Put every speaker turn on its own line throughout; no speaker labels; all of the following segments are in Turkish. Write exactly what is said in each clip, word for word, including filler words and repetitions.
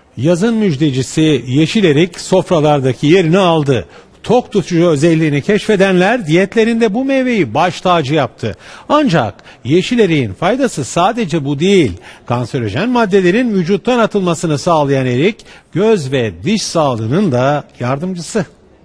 Yazın müjdecisi yeşil erik sofralardaki yerini aldı. Tok tutucu özelliğini keşfedenler diyetlerinde bu meyveyi baş tacı yaptı. Ancak yeşil eriğin faydası sadece bu değil. Kanserojen maddelerin vücuttan atılmasını sağlayan erik, göz ve diş sağlığının da yardımcısı.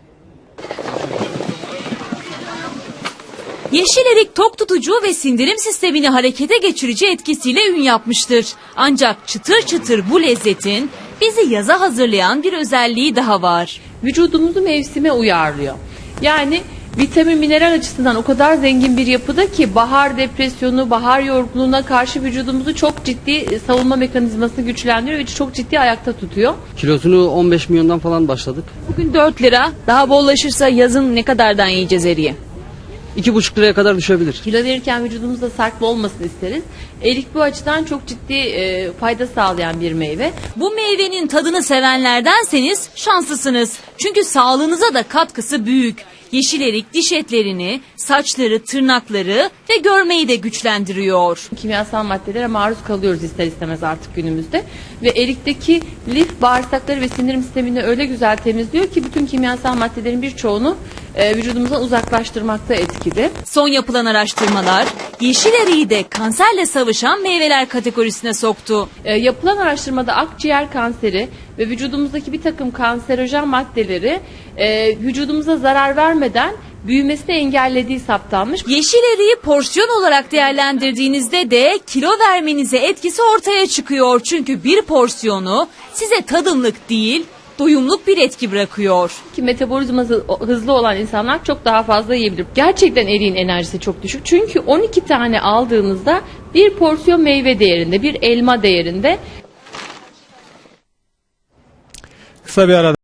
Yeşil erik tok tutucu ve sindirim sistemini harekete geçirici etkisiyle ün yapmıştır. Ancak çıtır çıtır bu lezzetin bizi yaza hazırlayan bir özelliği daha var.
Vücudumuzu mevsime uyarlıyor. Yani vitamin mineral açısından o kadar zengin bir yapıda ki bahar depresyonu, bahar yorgunluğuna karşı vücudumuzu çok ciddi savunma mekanizmasını güçlendiriyor ve çok ciddi ayakta tutuyor.
Kilosunu on beş milyondan falan başladık.
Bugün dört lira, daha bollaşırsa yazın ne kadardan yiyeceğiz eriği?
iki buçuk liraya kadar düşebilir.
Kilo verirken vücudumuzda sarkma olmasını isteriz. Erik bu açıdan çok ciddi e, fayda sağlayan bir meyve.
Bu meyvenin tadını sevenlerdenseniz şanslısınız. Çünkü sağlığınıza da katkısı büyük. Yeşil erik diş etlerini, saçları, tırnakları ve görmeyi de güçlendiriyor.
Kimyasal maddelere maruz kalıyoruz ister istemez artık günümüzde. Ve erikteki lif bağırsakları ve sindirim sistemini öyle güzel temizliyor ki bütün kimyasal maddelerin birçoğunu e, vücudumuzdan uzaklaştırmakta etkili.
Son yapılan araştırmalar yeşil eriği de kanserle savaşan meyveler kategorisine soktu.
E, yapılan araştırmada akciğer kanseri ve vücudumuzdaki bir takım kanserojen maddeleri e, vücudumuza zarar vermeden büyümesini engellediği saptanmış.
Yeşil eriği porsiyon olarak değerlendirdiğinizde de kilo vermenize etkisi ortaya çıkıyor. Çünkü bir porsiyonu size tadımlık değil, doyumluk bir etki bırakıyor.
Ki metabolizması hızlı olan insanlar çok daha fazla yiyebilir. Gerçekten eriğin enerjisi çok düşük. Çünkü on iki tane aldığınızda bir porsiyon meyve değerinde, bir elma değerinde.
Kısa bir ara.